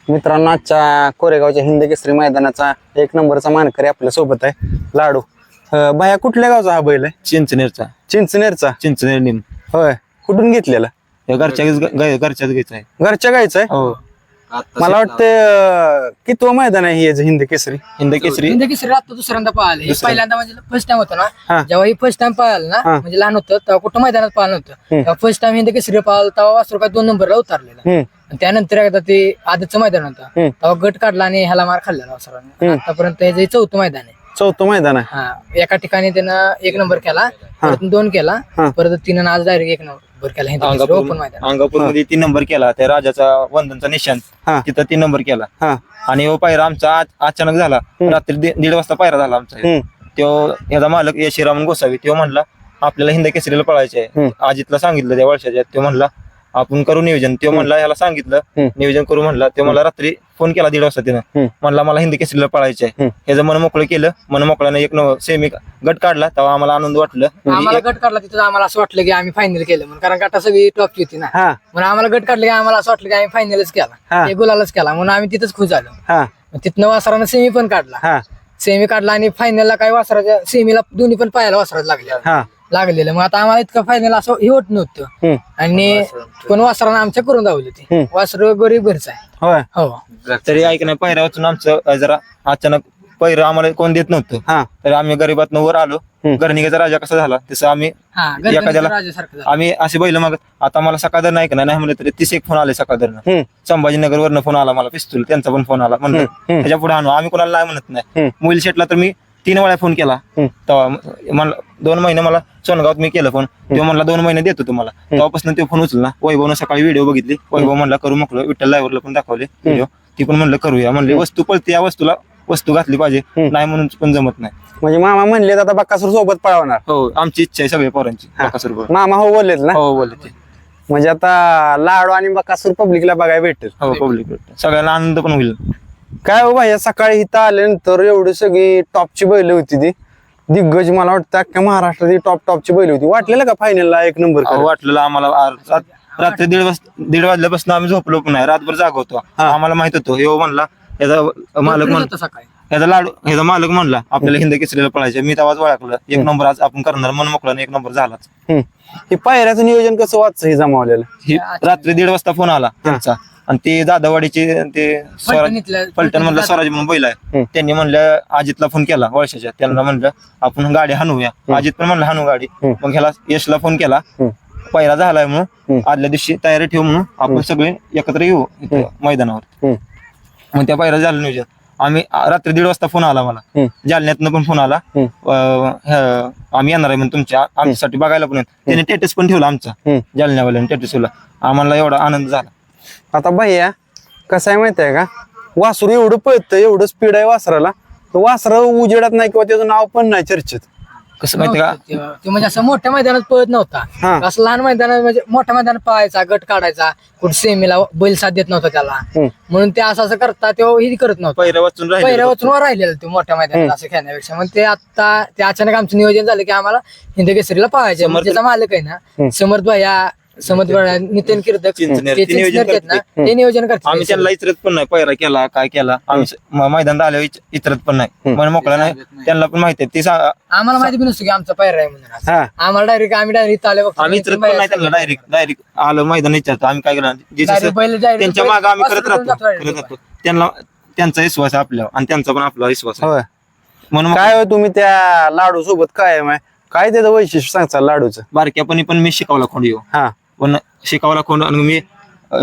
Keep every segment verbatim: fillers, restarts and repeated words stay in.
मित्रांनो, आजच्या कोरेगावच्या हिंद केसरी मैदानाचा एक नंबरचा मानकरी आपल्या सोबत आहे लाडू. अं, बाया कुठल्या गावचा हा बैल आहे? चिंचनेरचा चिंचनेरचा. चिंचनेर निम होय, कुठून घेतलेला? घरच्या घरच्याच घ्यायचा आहे. घरच्या गायचं आहे. हो, मला वाटतं कितवं मैदान आहे हे हिंद केसरी? हिंद केसरी हिंद केसरी आता दुसऱ्यांदा पाहिलं. हे पहिल्यांदा म्हणजे फर्स्ट टाइम होतं हा. ना, जेव्हा ही फर्स्ट टाइम पाहिलं ना, हा. म्हणजे लहान होतं तेव्हा कुठं मैदानात पाहिलं नव्हतं. तेव्हा फर्स्ट टाइम हिंद केसरी पाहिलं तेव्हा वासरू काय दोन नंबरला उतरलेला. हम्म आणि त्यानंतर एकदा ते आधीचं मैदान होतं हम्म. तेव्हा गट काढला आणि ह्याला मार खाल्लेला वासराने. आतापर्यंत हे जे चौथं मैदान आहे. चौथं मैदान आहे. हा, एका ठिकाणी त्यानं एक नंबर केला, परत दोन केला, हा. परत तिनं आज डायरेक्ट एक नंबर केला हिंद केसरी ओपन मैदान. अंगापूर मध्ये तीन नंबर केला. त्या राजाचा वंदनचा निशान हा. तिथं तीन नंबर केला. हा. आणि हो पायरा आमचा आज अचानक झाला. रात्री दि- दीड वाजता पायरा झाला आमचा. हम्म. तो याचा मालक यशिरामन गोसावी तो म्हणला आपल्याला हिंद केसरीला पळायचे आहे. हम्म. अजितला सांगितलं त्या वर्षाच्या. तो म्हणला आपण करू नियोजन. तो म्हणला ह्याला सांगितलं हम्म. नियोजन करू म्हणला. तो मला रात्री फोन केला दीड वाजता तिनं. हम्म. म्हणला मला हिंद केसरीला पळायचे आहे. हम्म. ह्याचं मन मोकळं केलं. मन मोकळ्यानं एक नव- सेमी गट काढला तेव्हा आम्हाला आनंद वाटलं. आम्हाला गट काढला तिथं आम्हाला असं वाटलं की आम्ही फायनल केलं म्हणून, कारण गटा सगळी टॉपची होती ना. हा. म्हणून आम्हाला गट काढले की आम्हाला असं वाटलं की आम्ही फायनलच हा. केला, हे गुलालच केला, म्हणून आम्ही तिथंच खुश झालो. हा. मग तिथनं वासरानं सेमी पण काढला. हा. सेमी काढला आणि फायनलला काय वासराच्या सेमीला दोन्ही पण पायाला वासरात लागले हा. लागलेलं. मग आता आम्हाला इतकं फायनल असं हे होत नव्हतं. हम्म. आणि पण वासरानं आमच्या करून दावली हम्म. होती. वासर गरीब घरचं आहे. होय. हो, तरी ऐक नाही पायऱ्या वाचून आमचं अं, जरा अचानक पैर आम्हाला कोण देत नव्हतं. हा. तर आम्ही गरीबात वर आलो. हम्म. घरनिकेचा राजा कसा झाला तसं आम्ही हा, एखाद्याला- गणपतीचं राजासारखं झालं. आम्ही असे बैल मग आता मला सकाळधर नाही का नाही म्हणलं तरी तीस एक फोन आले सकाळधरनं. हम्म. संभाजीनगर वरनं फोन आला मला पिस्तूल त्यांचा पण फोन आला. म्हणलं हम्म. त्याच्या पुढे आणू आम्ही कोणाला नाही म्हणत नाही. हम्म. मोबाईल शेटला तर मी तीन वेळा फोन केला. हम्म. तेव्हा मला दोन महिने मला सोनगावात मी केलं फोन. तेव्हा म्हणला दोन महिने देतो तुम्हाला. तेव्हापासून ते फोन उचलला. वैभवनं सकाळी व्हिडिओ बघितली. वैभव म्हणला करू मोकळं. विठ्ठल लायवरला पण दाखवले व्हिडिओ. ती पण म्हणलं करूया. म्हणले वस्तू पळते या वस्तूला वस्तू घातली पाहिजे. नाही म्हणून पण जमत नाही. म्हणजे मामा म्हणले आता बक्कासूर सोबत पळवणार. हो, आमची इच्छा आहे सगळ्या पोरांची. बकासूर बरोबर. मामा हो बोललेत ना. हो बोलले ते. म्हणजे आता लाडू आणि बक्कासूर पब्लिकला बघायला भेटेल. हो पब्लिक सगळ्यांना आनंद पण होईल. काय हो भाई, सकाळी इथं आल्यानंतर एवढी सगळी टॉपची बैल होती ती दिग्गज. मला वाटतं अख्ख्या महाराष्ट्रात टॉप टॉपची बैल होती. वाटलेलं का फायनलला एक नंबर अहो, वाटलेलं आम्हाला आ- रात- रात्री दीड वाजता दीड वाजल्यापासून आम्ही झोपलो पण नाही. रातभर जाग होतो. आम्हाला माहित होतो हे म्हणला याचा मालक म्हण होतं सकाळी. याचा लाडू ह्याचा मालक म्हणला आपल्याला हिंद केसरीला पळायचं. मी तेव्हाच ओळखलं एक नंबर आज आपण करणार. मन मोकळा एक नंबर झालाच. हे पायऱ्याचं नियोजन कसं वाचचं हे जमावलेलं? ही रात्री दीड वाजता फोन आला त्यांचा. आणि ते दादावाडीचे ते स्वराज फलटणीतलं- पलटण म्हणलं स्वराज म्हणून बैल आहे. त्यांनी म्हणलं अजितला फोन केला वर्षाच्या. त्यांना म्हणलं आपण गाडी हाणूया. अजित पण म्हणलं हाणू गाडी. मग ह्याला यशला फोन केला. पहिला झालाय म्हणून आदल्या दिवशी तयारी ठेवू म्हणून आपण सगळे एकत्र येऊ इथं मैदानावर. मग त्या पहिला झालं नियोजन. आम्ही आ- रात्री दीड वाजता फोन आला मला. जालन्यातनं पण फोन आला. अं, ह- आम्ही येणार आहे म्हणून तुमच्या आमच्यासाठी बघायला पण. त्याने स्टेटस पण ठेवला आमचा. जालन्यावाल्याने स्टेटस ठेवला. आम्हाला एवढा आनंद झाला. आता भैया कसं आहे माहिती आहे का, वासरू एवढं पळतं, एवढं स्पीड आहे वासराला, तर वासरा उजेडात नाही किंवा त्याचं नाव पण नाही चर्चेत. कसं माहिती का, तेव्हा ते म्हणजे असं मोठ्या मैदानात पळत हा. नव्हता. असं लहान मैदानात म्हणजे मोठ्या मैदानात पळायचा, गट काढायचा, कुठे सेमीला बैल साथ देत नव्हता त्याला. म्हणून ते असं असं करता तेव्हा ही करत नव्हतं. पहिल्या वाचून राहिले पहिल्या वाचून राहिलेलं ते मोठ्या मैदानात असं खेळण्यापेक्षा. मग ते आता ते अचानक आमचं नियोजन झालं की आम्हाला हिंद केसरीला पळायचं. समर्थ- त्याचा मालक आहे ना समर्थ भैया, समर्थ भैया, नितीन कीर्तक, चिंचनेर, ते ते नियोजन चिंचनेर आहेत ना, करते. ते नियोजन आम्ही करतात. त्यांना इतरत पण नाही. पैरा केला काय केला आम्ही स- म- मैदानात आल्यावर इच- इतरत पण नाही. मन मोकळा नाही. त्यांना पण माहिती आहे. ती सा- आम्हाला माहिती पण नसतं की आमचा पैरा आहे म्हणून असं. हा. आम्हाला डायरेक्ट आम्ही डायरेक्ट आले बघतो. आम्ही इतरत पण नाही त्यांना. डायरेक्ट डायरेक्ट आलं मैदान विचारतो आम्ही काय केलं जे जसं Direct बैल- direct त्यांच्या बैल- मागे आम्ही करत वासरू राहतो जातो direct. करत राहतो. त्यांना त्यांचा विश्वास आहे आपल्यावर आणि त्यांचा पण आपला विश्वास आहे. होय. म्हणून मग काय हो तुम्ही त्या लाडू सोबत काय आहे, काय त्याचं वैशिष्ट्य सांगता लाडूचं? बारक्यापणी पण मी शिकवला खोंड येऊ हा. पण शिकावला खोंड आणि मी अं,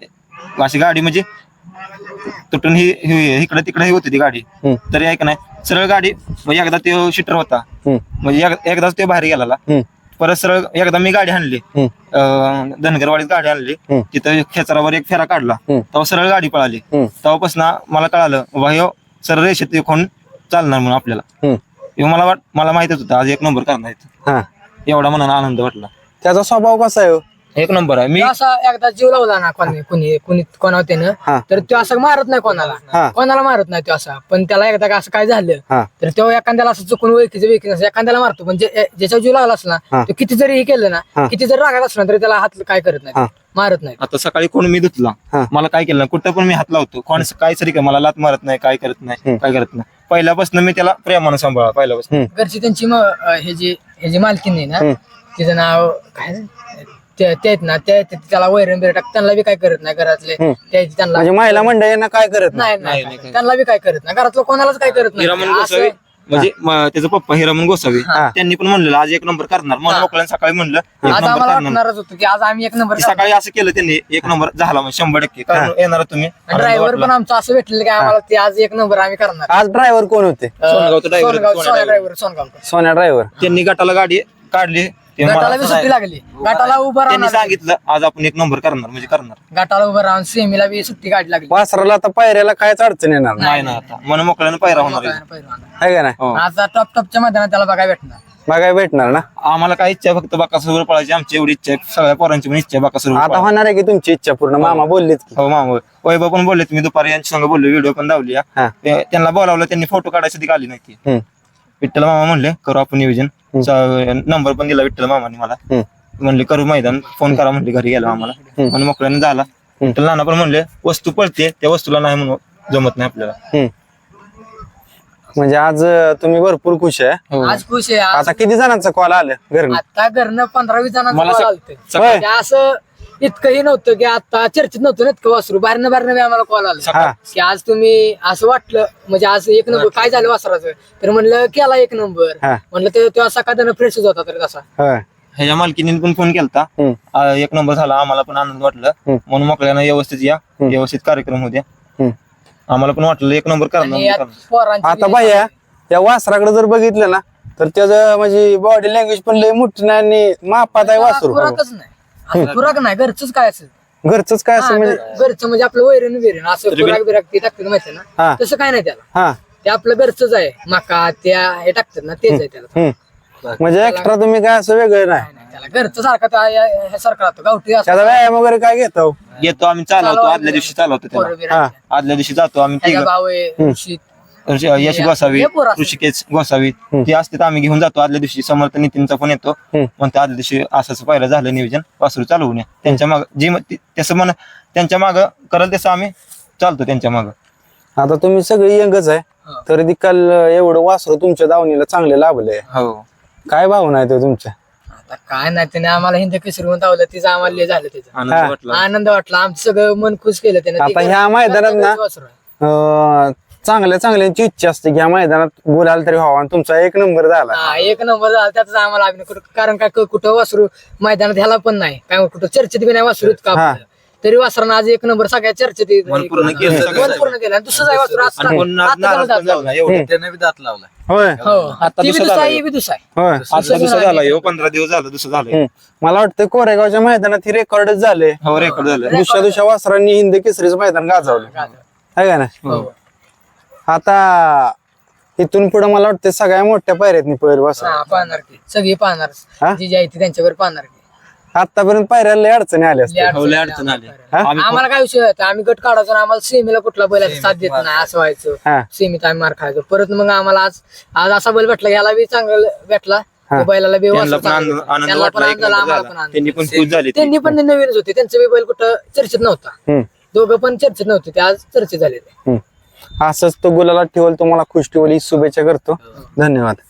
या- अशी गाडी म्हणजे तुटून ही ही- इकडे तिकडे ही होती ती गाडी. हम्म. तरी ऐक नाही सरळ गाडी म्हणजे एकदा तो शिटर होता. हम्म. म्हणजे एक- एकदाच तो बाहेर गेला. हम्म. परत सरळ एकदा मी गाडी आणली. हम्म. अं, धनगरवाडीत गाडी आणली. हम्म. तिथं खेचरावर एक फेरा काढला. हम्म. तेव्हा सरळ गाडी पळाली. हम्म. तेव्हापासून मला कळालं बाबा ह्यो सरळ रेषेत खोंड चालणार म्हणून आपल्याला. हम्म. ह्यो मला वाट मला माहितच होतं आज एक नंबर करणार आहे. हा. एवढा मनाला आनंद वाटला. त्याचा स्वभाव कसा आहे हो? एक नंबर आहे. मी तो असा एकदा जीव लावला ना कोणी कुणी कुणी कोणावर हा. त्यानं तर तो असं मारत नाही हा. कोणाला कोणाला मारत नाही तो असा. पण त्याला एकदा का असं काय झालं हा. तर तो एखाद्याला असं चुकून ओळखीचं वेळखीचं एखाद्याला मारतो. पण जे- ज्याच्या जीव लागला असला हा. तो किती जरी हे केलं हा. ना किती जरी रागात असला तरी त्याला हात काय करत हा. नाही मारत नाही. आता सकाळी कोण मी धुतला हा. मला काय केलं नाही, कुठं पण मी हात लावतो कोण काय सरी काय मला लात मारत नाही, काय करत नाही, काय करत नाही. पहिल्यापासून मी त्याला प्रेमानं सांभाळा पहिल्यापासून. हम्म. घरची त्यांची म- अं, हे जी हे जी मालकीण आहे ना हम्म. तिचं नाव काय ते ते आहेत ना ते ते- त्याला वैरण बिर टाक त्यांना बी काय करत नाही घरातले हम्म. ते त्यांना म्हणजे महिला मंडळींना काय करत नाही नाही नाही नाही, काय. त्यांना बी काय करत नाही घरातलं कोणालाच काय करत नाही हिरामन असं- गोसावी म्हणजे म- त्याचा पप्पा हिरामन गोसावी हा. त्यांनी पण म्हणलेलं आज एक नंबर करणार. मन हा. मोकळ्यानं सकाळी म्हणलं एक आज नंबर आम्हाला करणार. वाटणारच होतं की आज आम्ही एक नंबर की सकाळी असं केलं त्यांनी एक नंबर झाला म्हणजे शंभर टक्के कारण येणार तुम्ही आनंद ड्रायव्हर वाटला. पण आमचं असं भेटलेलं की आम्हाला ते आज एक नंबर आम्ही करणार आज ड्रायव्हर कोण होते सोनगावचं driver, सोनगाव सोन्या सोन्या driver. ड्रायव्हर सोनगावकर सोन्या ड्रायव्हर त्यांनी गटाला गाडी काढली ते मला गटाला बी सुट्टी लागली गटाला उभं त्यांनी राहून सांगितलं आज आपण एक नंबर करणार म्हणजे करणार. गटाला उभं राहून सेमीला बी सुट्टी गाडी लागली वासराला आता पायऱ्याला कायच अडचण येणार नाही नाही ना आता मन मोकळ्यानं पायरा होणार आहे. पहिलवान. आहे का नाही हो. आज टॉप टॉपच्या मैदानात त्याला बघायला भेटणार बघायला भेटणार ना. आम्हाला काय इच्छा आहे फक्त बाकासोबत पळायची आमची एवढी इच्छा आहे सगळ्या पोरांची पण इच्छा आहे बाकासोबत आता होणार आहे की तुमची इच्छा पूर्ण मामा बोललीत की हो मामा वैभव पण बोलले मी दुपारी यांच्या संग बोललो व्हिडिओ पण दावली हा. ते- त्यांना बोलावलं त्यांनी फोटो काढायसाठी आली नाही ती हम्म. विठ्ठल मामा म्हणले करू आपण नियोजन नंबर पण दिला विठ्ठल मामाने मला हम्म. म्हणले करू मैदान फोन करा म्हणले घरी गेला आम्हाला म्हणून मोकळ्याने झाला विठ्ठल नाना पण म्हणले वस्तू पळते त्या वस्तूला नाही म्हणून जमत नाही आपल्याला. हम्म. म्हणजे आज अं, तुम्ही भरपूर खुश आहे हो. आज खुश आहे आज आता किती जणांचा कॉल आलं घरी आता घरनं पंधरा वीस जणांचं मला call सक- आलते. सकाळी- म्हणजे असं इतकंही नव्हतं की आता चर्चेत नव्हतं ना इतकं वासरू बाहेरनं बाहेरनं बी आम्हाला कॉल आला हा. की आज तुम्ही असं वाटलं म्हणजे आज एक नंबर काय झालं वासराचं तर म्हणलं केला एक नंबर हा. म्हणलं ते तेव्हा सकाळ फ्रेशच होता तर तसा होय. ह्याच्या मालकीने पण फोन केलता हम्म. आ, एक नंबर झाला आम्हाला पण आनंद वाटलं हम्म. म्हणून मोकळ्यानं व्यवस्थित या व्यवस्थित कार्यक्रम होते हम्म. आम्हाला पण वाटलं एक नंबर आणि करणार यात करणार. पोरांची आता बी- बाया या वासराकडे जर बघितलं ना तर त्याचं म्हणजे बॉडी लँग्वेज पण लय मोठी नाही आणि मापात आहे वासरू खुराकच नाही असं खुराक नाही घरचंच काय असेल घरचंच काय हा, असं म्हणजे घर- घरचं म्हणजे आपलं वैरण विरण असं खुराक बिराक ते टाकतात माहिती ना हा. तसं काय नाही त्याला हा. ते आपलं घरचंच आहे मका त्या हे टाकतात ना तेच आहे त्याला हम्म. म्हणजे एक्स्ट्रा तुम्ही काय असं वेगळं नाही नाही, नाही, त्याला घरचं सारखं त्या- या- या- ह्यासारखं राहतो गावठी असं त्याचा व्यायाम वगैरे काय घेतो येतो आम्ही चालवतो आदल्या दिवशी चालवतो पोरं त्याला बिरं आहेत. आदल्या दिवशी जातो आम्ही त्याचा तिघं. भाऊ आहे ऋषी यश गोसावी हे पोरं असतात. ऋषिकेश गोसावी ते असते तर आम्ही घेऊन जातो आदल्या दिवशी समर्थ नितीनचा फोन येतो हम्म. म्हणते आदल्या दिवशी असं असं पहिलं झालं नियोजन वासरू चालवून या त्यांच्या माग जी म- ती- तसं म्हण त्यांच्या माग करल तसं आम्ही चालतो त्यांच्या माग. आता तुम्ही सगळी यंगच आहे हा. तरी देखील एवढं वासरू तुमच्या दावणीला चांगले लाभलंय हो काय भावना आहे तो तुमच्या आता काय नाही त्याने आम्हाला हिंद किसरून धावलं तिचं आम्हाला लय झालं त्याचं आनंद हा. वाटला. आनंद वाटला आमचं सगळं मन खुश केलं त्याने आता ह्या मैदानात ना अं, चांगल्या चांगल्याची इच्छा असते की ह्या मैदानात बोलायला तरी व्हावा आणि तुमचा एक नंबर झाला हा, एक नंबर झाला त्याचाच आम्हाला अभिनय कुठं कारण काय क- कुठं वासरू मैदानात ह्याला पण नाही काय कुठं चर्चेत बी नाही वासरू इतकं हा. आपलं. तरी वासरानं आज एक नंबर सगळ्या चर्चेत मन पूर्ण केलं मन सगळं. पूर्ण केलं आणि दुसरं आहे वासरू आता- आणि कोण आता नाराज त्याला पण झाला नाही, एवढं. त्याने बी दात लावला होय हो आता ती बी दुसरा दुसरा झाला ही बी दुसरा आहे. होय आता दुसरं झालं ह्यो पंधरा दिवस झालं दुसरं झालं हम्म. मला वाटतं कोरेगावच्या मैदानात ही रेकॉर्डच झाले हो रेकॉर्ड झालं दुसऱ्या दुसऱ्या वासरांनी हिंद केसरीचं मैदान गाजवलं आहे का ना हो. आता इथून पुढे मला वाटतं सगळ्या मोठ्या पायऱ्यात पहिलं वासर हा, पाहणार की सगळी हा? पाहणार जी जी आहे ती त्यांच्यावर पाहणार की आतापर्यंत पायऱ्याला लय अडचणी आल्या लय असतात हो, लय अडचणी अडचण आली. आल्या. आम्ही आम्हाला काय विषय होता आम्ही गट काढायचो आणि आम्हाला सेमीला कुठला बैलाचा साथ देत नाही असं व्हायचं हा. सेमीत आम्ही मार खायचो परत मग आम्हाला आज आज असा बैल भेटला ह्याला बी चांगला भेटला हा. त्या बैलाला बी त्यांना वासरू पण चांगलं आनंद भेटलं. आनंद त्यांना पण वाटला एक आनंद झाला, नंबर आम्हाला पण झाला आनंद त्यांनी पण खुश झाली ती. त्यांनी पण ते नवीनच होते त्यांचं बी बैल कुठं चर्चेत नव्हता हम्म. दोघं पण चर्चेत नव्हते ते आज चर्चेत झाले हम्म. असंच तो गुलाला ठेवल तुम्हाला खुश ठेवल ही शुभेच्छा करतो धन्यवाद.